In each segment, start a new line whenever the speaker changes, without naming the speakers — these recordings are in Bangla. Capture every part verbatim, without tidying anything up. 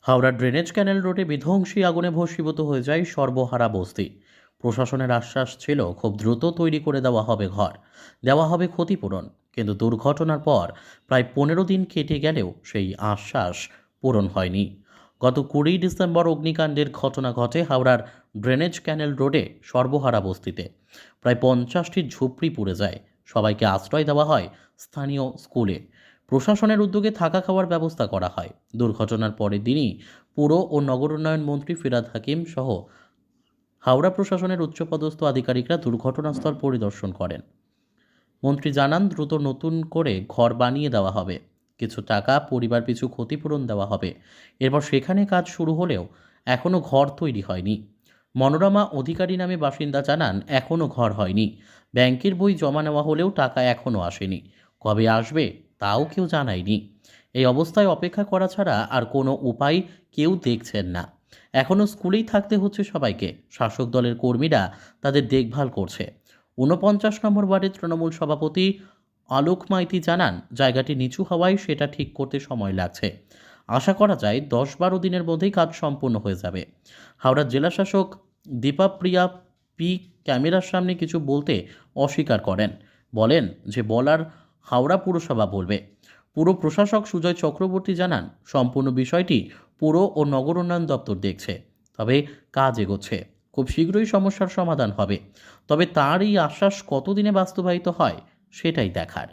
হাওড়ার ড্রেনেজ ক্যানেল রোডে বিধ্বংসী আগুনে ভস্মীভূত হয়ে যায় সর্বহারা বস্তি। প্রশাসনের আশ্বাস ছিল খুব দ্রুত তৈরি করে দেওয়া হবে ঘর, দেওয়া হবে ক্ষতিপূরণ। কিন্তু দুর্ঘটনার পর প্রায় পনেরো দিন কেটে গেলেও সেই আশ্বাস পূরণ হয়নি। গত কুড়ি ডিসেম্বর অগ্নিকাণ্ডের ঘটনা ঘটে হাওড়ার ড্রেনেজ ক্যানেল রোডে সর্বহারা বস্তিতে। প্রায় পঞ্চাশটি ঝুপড়ি পুড়ে যায়। সবাইকে আশ্রয় দেওয়া হয় স্থানীয় স্কুলে। প্রশাসনের উদ্যোগে থাকা খাওয়ার ব্যবস্থা করা হয়। দুর্ঘটনার পরের দিনই পুর ও নগর উন্নয়ন মন্ত্রী ফিরহাদ হাকিম সহ হাওড়া প্রশাসনের উচ্চপদস্থ আধিকারিকরা দুর্ঘটনাস্থল পরিদর্শন করেন। মন্ত্রী জানান, দ্রুত নতুন করে ঘর বানিয়ে দেওয়া হবে, কিছু টাকা পরিবার পিছু ক্ষতিপূরণ দেওয়া হবে। এরপর সেখানে কাজ শুরু হলেও এখনও ঘর তৈরি হয়নি। মনোরমা অধিকারী নামে বাসিন্দা জানান, এখনও ঘর হয়নি। ব্যাংকের বই জমা নেওয়া হলেও টাকা এখনও আসেনি। কবে আসবে তাও কেউ জানায়নি। এই অবস্থায় অপেক্ষা করা ছাড়া আর কোনো উপায় কেউ দেখছেন না। এখনও স্কুলেই থাকতে হচ্ছে সবাইকে। শাসক দলের কর্মীরা তাদের দেখভাল করছে। ঊনপঞ্চাশ নম্বর ওয়ার্ডের তৃণমূল সভাপতি আলোক মাইতি জানান, জায়গাটি নিচু হওয়ায় সেটা ঠিক করতে সময় লাগছে। আশা করা যায় দশ বারো দিনের মধ্যেই কাজ সম্পূর্ণ হয়ে যাবে। হাওড়ার জেলাশাসক দীপাপ্রিয়া পি ক্যামেরার সামনে কিছু বলতে অস্বীকার করেন। বলেন যে বলার হাওড়া পুরসভা বলবে। পুর প্রশাসক সুজয় চক্রবর্তী জানান, সম্পূর্ণ বিষয়টি পুর ও নগর উন্নয়ন দপ্তর দেখছে, তবে কাজ এগোচ্ছে। খুব শীঘ্রই সমস্যার সমাধান হবে। তবে তার এই আশ্বাস কতদিনে বাস্তবায়িত হয় সেটাই দেখার।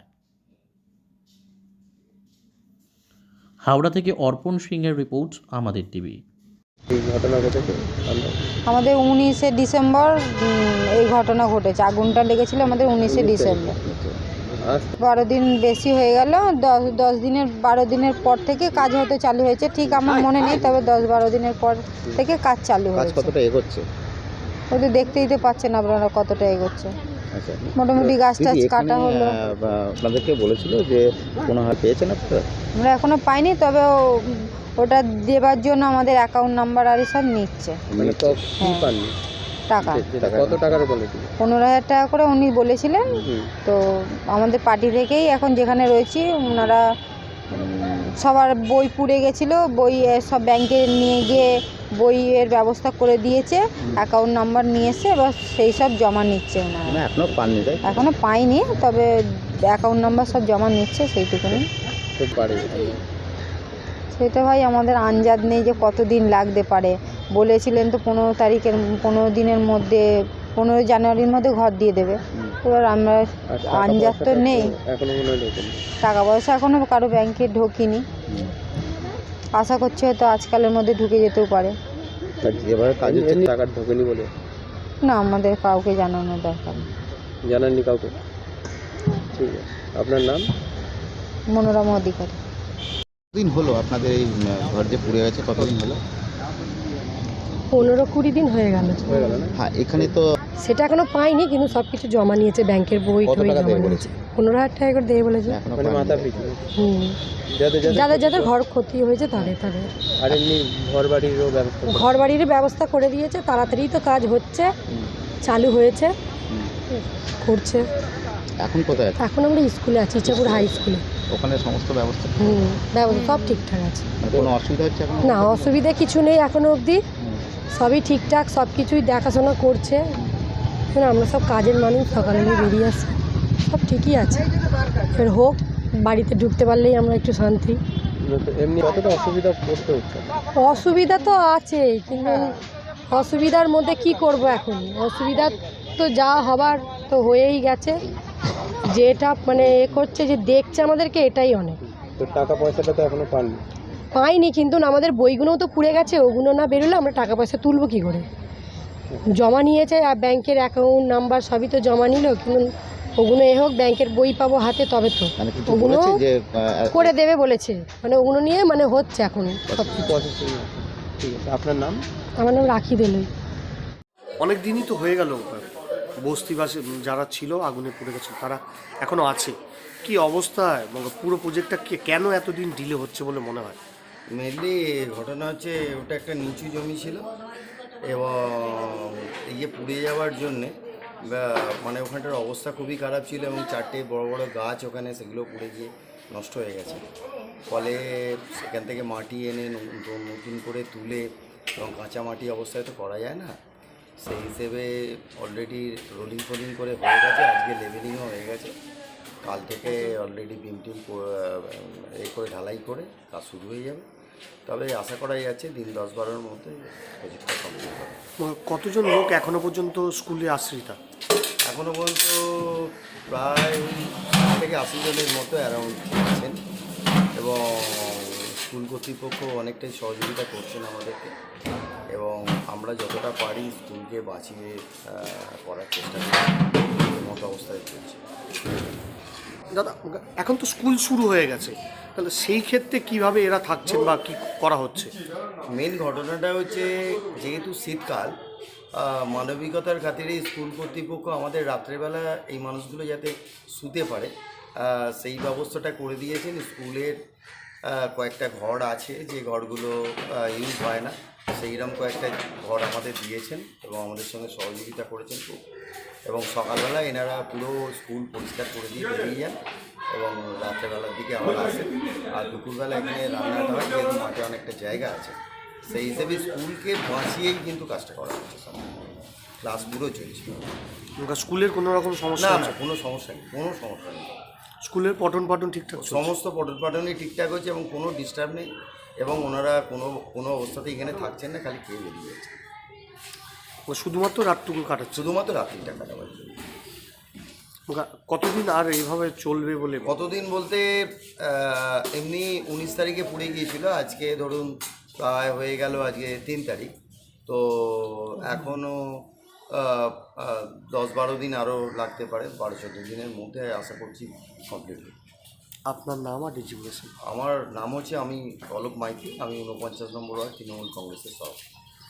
হাওড়া থেকে অর্পণ সিংয়ের রিপোর্ট, আমাদের টিভি।
এই ঘটনা ঘটেছে
আমাদের উনিশে ডিসেম্বর এই ঘটনা ঘটেছে। আগুনটা লেগেছিল আমাদের উনিশে ডিসেম্বর। বারো দিন বেশি হয়ে গেল। দশ দশ দিনের বারো দিনের পর থেকে কাজ হতে চালু হয়েছে, ঠিক আমার মনে নেই, তবে দশ বারো দিনের পর থেকে কাজ চালু
কাজ
হয়েছে।
কতটা এগোচ্ছে?
ওই তো দেখতেই তো পাচ্ছেন আপনারা কতটা এগোচ্ছে।
আচ্ছা,
মোটামুটি গাছ টাছ
দিদি,
কাটা
এখানে,
হলো।
আহ, বা- আপনাদেরকে বলেছিল যে কোনো হার পেয়েছেন আপনারা?
আমরা এখনো পাইনি, তবে ও- ওটা দেবার জন্য আমাদের অ্যাকাউন্ট নাম্বার আর সব নিচ্ছে
মানে তো কি
হ্যাঁ।
পাননি?
টাকা
কত টাকার বলেছিল?
পনেরো হাজার টাকা করে উনি বলেছিলেন। তো আমাদের পার্টি থেকেই এখন যেখানে রয়েছি ওনারা উম, সবার বই পুড়ে গেছিলো, বই এ সব ব্যাংকে নিয়ে গিয়ে বইয়ের ব্যবস্থা করে দিয়েছে, অ্যাকাউন্ট নাম্বার নিয়ে এসে এবার সেই সব জমা নিচ্ছে ওনারা।
মানে এখনো পাননি, তাই?
এখনও পাইনি, তবে অ্যাকাউন্ট নাম্বার সব জমা নিচ্ছে, সেইটুকুনি।
খুব বাড়ি
সেটা ভাই আমাদের আন্দাজ নেই যে কতদিন লাগতে পারে। বলেছিলেন তো পনেরো তারিখের পনেরো দিনের মধ্যে, পনেরো জানুয়ারির মধ্যে ঘর দিয়ে দেবে। এবার আমরা আন্দাজ তো নেই।
এখনো মনে হয় ঢোকেনি।
টাকা পয়সা এখনও কারো ব্যাংকে ঢোকেনি। আশা করছি হয়তো আজকালের মধ্যে ঢুকে যেতেও পারে।
আর যেভাবে কাজ হচ্ছে টাকা ঢোকেনি বলে
না, আমাদের কাউকে জানানোর দরকার নেই।
জানাননি কাউকে? ঠিক আছে, আপনার নাম?
মনোরমা অধিকারী।
দিন হলো আপনাদের এই ঘর যে পুড়ে গেছে, কতদিন হলো?
পনেরো কুড়ি দিন হয়ে গেল।
হয়ে গেল না?
হ্যাঁ, এখানে তো
সেটা এখনো পাইনি, কিন্তু সব কিছু জমা নিয়েছে, ব্যাংকের বই
কত
টই
টাকা
জমা
দেবে
নিয়েছে।
বলেছে?
পনেরো হাজার টাকা করে দেবে বলেছে।
এখনো
মানে
পাননি।
মাথা পিছু
হুম,
যাদের
যাদের যাদের ঘর ক্ষতি হয়েছে তাদের তাদের
আর এমনি ঘর বাড়িরও ব্যবস্থা করে-
ঘর বাড়ির ব্যবস্থা করে দিয়েছে। তাড়াতাড়ি তো কাজ হচ্ছে,
হুম,
চালু হয়েছে,
হুম।
করছে।
এখন কোথায় আছে?
এখন আমরা স্কুলে আছি, ইচ্ছাপুর হাই স্কুলে।
ওখানে সমস্ত ব্যবস্থা,
হুম, ব্যবস্থা সব ঠিকঠাক আছে।
মানে কোনো অসুবিধা হচ্ছে এখন?
না, অসুবিধা কিছু নেই এখনো অবধি,
হুম,
সবই ঠিকঠাক, সব কিছুই দেখাশোনা করছে। এখন আমরা সব কাজের মানুষ, সকালে বেরিয়ে আসি, সব ঠিকই আছে। এবার হোক, বাড়িতে ঢুকতে পারলেই আমরা একটু শান্তি।
এমনি কতটা অসুবিধা করতে হচ্ছে?
অসুবিধা তো আছে, কিন্তু অসুবিধার মধ্যে কি করব এখন? অসুবিধা তো যা হবার তো হয়েই গেছে। যেটা মানে এ করছে, যে দেখছে আমাদেরকে, এটাই অনেক।
তো টাকা পয়সাটা তো এখনো পাননি।
পাইনি, কিন্তু আমাদের বইগুলোও তো পুড়ে গেছে, ওগুলো না বেরোলে আমরা টাকা পয়সা তুলবো কী করে? জমা নিয়েছে, আর ব্যাংকের অ্যাকাউন্ট নাম্বার সবই তো জমা নিল, কিন্তু ওগুলো এ হোক, ব্যাংকের বই পাবো হাতে তবে তো।
মানে কিছু
ওগুলো
বলেছে যে আহ,
করে দেবে বলেছে, মানে ওগুলো নিয়ে মানে হচ্ছে এখন সব কিছু।
প্রসেসিং আছে। ঠিক আছে, আপনার নাম?
আমার নাম রাখি দিলই।
অনেক দিনই তো হয়ে গেল, বস্তিবাসী যারা ছিল আগুনে পুড়ে গেছে তারা এখনো আছে। কি অবস্থায়, মানে পুরো প্রজেক্টটা কে কেন এতদিন ডিলে হচ্ছে বলে মনে হয়?
মেনলি ঘটনা হচ্ছে ওটা একটা নিচু জমি ছিল, এবং এই যে পুড়ে যাওয়ার জন্যে বা- মানে ওখানটার অবস্থা খুবই খারাপ ছিল, এবং চারটে বড় বড় গাছ ওখানে, সেগুলো পুড়ে গিয়ে নষ্ট হয়ে গেছে। ফলে সেখান থেকে মাটি এনে ন- নতুন করে তুলে এবং কাঁচা মাটি অবস্থায় তো করা যায় না, সেই হিসেবে অলরেডি রোলিং ফোলিং করে হয়ে গেছে, আজকে লেভেলিংও হয়ে গেছে। কাল থেকে অলরেডি বিম টিম এ করে ঢালাই করে কাজ শুরু হয়ে যাবে। তবে আশা করা যাচ্ছে দিন দশ বারোর মধ্যে প্রজেক্টটা কমপ্লিট হবে।
ম- কতজন লোক এখনো পর্যন্ত স্কুলে আশ্রিতা?
এখনও পর্যন্ত প্রায় ষাট থেকে আশি জনের মতো অ্যারাউন্ড আছেন এবং স্কুল কর্তৃপক্ষ অনেকটাই সহযোগিতা করছেন আমাদেরকে এবং আমরা যতটা পারি স্কুলকে বাঁচিয়ে আহ, করার চেষ্টা করি, মতো অবস্থায় চলছে।
দাদা, এখন তো স্কুল শুরু হয়ে গেছে, তাহলে সেই ক্ষেত্রে কিভাবে এরা থাকছেন বা কি করা হচ্ছে?
মেন ঘটনাটা হচ্ছে যেহেতু শীতকাল, আহ, মানবিকতার খাতিরে স্কুল কর্তৃপক্ষ আমাদের রাত্রেবেলা এই মানুষগুলো যাতে শুতে পারে আহ, সেই ব্যবস্থাটা করে দিয়েছেন। স্কুলের আহ, কয়েকটা ঘর আছে যে ঘরগুলো ইউজ হয় না, সেইরকম কয়েকটা ঘর আমাদের দিয়েছেন এবং আমাদের সঙ্গে সহযোগিতা করেছেন খুব। এবং সকালবেলা এনারা পুরো স্কুল পরিষ্কার করে দিয়ে বেরিয়ে যান এবং রাত্রেবেলার দিকে আবার আসেন। আর দুপুরবেলা এখানে রান্নাটা হয়, যেহেতু মাঠে অনেকটা জায়গা আছে, সেই হিসেবে স্কুলকে বাঁচিয়েই কিন্তু কাজটা করা হচ্ছে। সব ক্লাস পুরো চলছে,
স্কুলের কোনো রকম সমস্যা
না
হচ্ছে?
না কোনো সমস্যা নেই, কোনো সমস্যা নেই।
স্কুলের পঠন পাঠন ঠিকঠাক চলছে?
সমস্ত পঠন পাঠনই ঠিকঠাক হচ্ছে এবং কোনো ডিস্টার্ব নেই এবং ওনারা কোনো কোনো অবস্থাতেই এখানে থাকছেন না, খালি খেয়ে বেরিয়ে যাচ্ছে।
শুধুমাত্র রাতটুকু কাটাচ্ছে?
শুধুমাত্র রাত্রিটা কাটাবার জন্য।
কতদিন আর এইভাবে চলবে বলে?
কতদিন বলতে আহ, এমনি উনিশ তারিখে পুড়ে গিয়েছিল, আজকে ধরুন প্রায় হয়ে গেল আজকে তিন তারিখ, তো এখনও দশ বারো দিন আরও লাগতে পারে, বারো চোদ্দো দিনের মধ্যে আশা করছি কমপ্লিট হবে।
আপনার নাম আর ডেজিগনেশন?
আমার নাম হচ্ছে, আমি অলোক মাইতি, আমি ঊনপঞ্চাশ নম্বর ওয়ার্ড তৃণমূল কংগ্রেসের সভাপতি।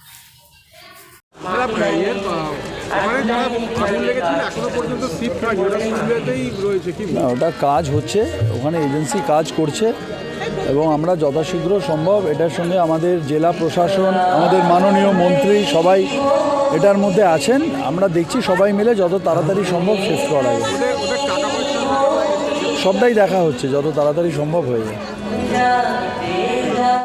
না, ওটা কাজ হচ্ছে, ওখানে এজেন্সি কাজ করছে এবং আমরা যথাশীঘ্র সম্ভব এটার সঙ্গে আমাদের জেলা প্রশাসন, আমাদের মাননীয় মন্ত্রী সবাই এটার মধ্যে আছেন। আমরা দেখছি সবাই মিলে যত তাড়াতাড়ি সম্ভব শেষ করা যায়, সবটাই দেখা হচ্ছে যত তাড়াতাড়ি সম্ভব হয়ে যায়।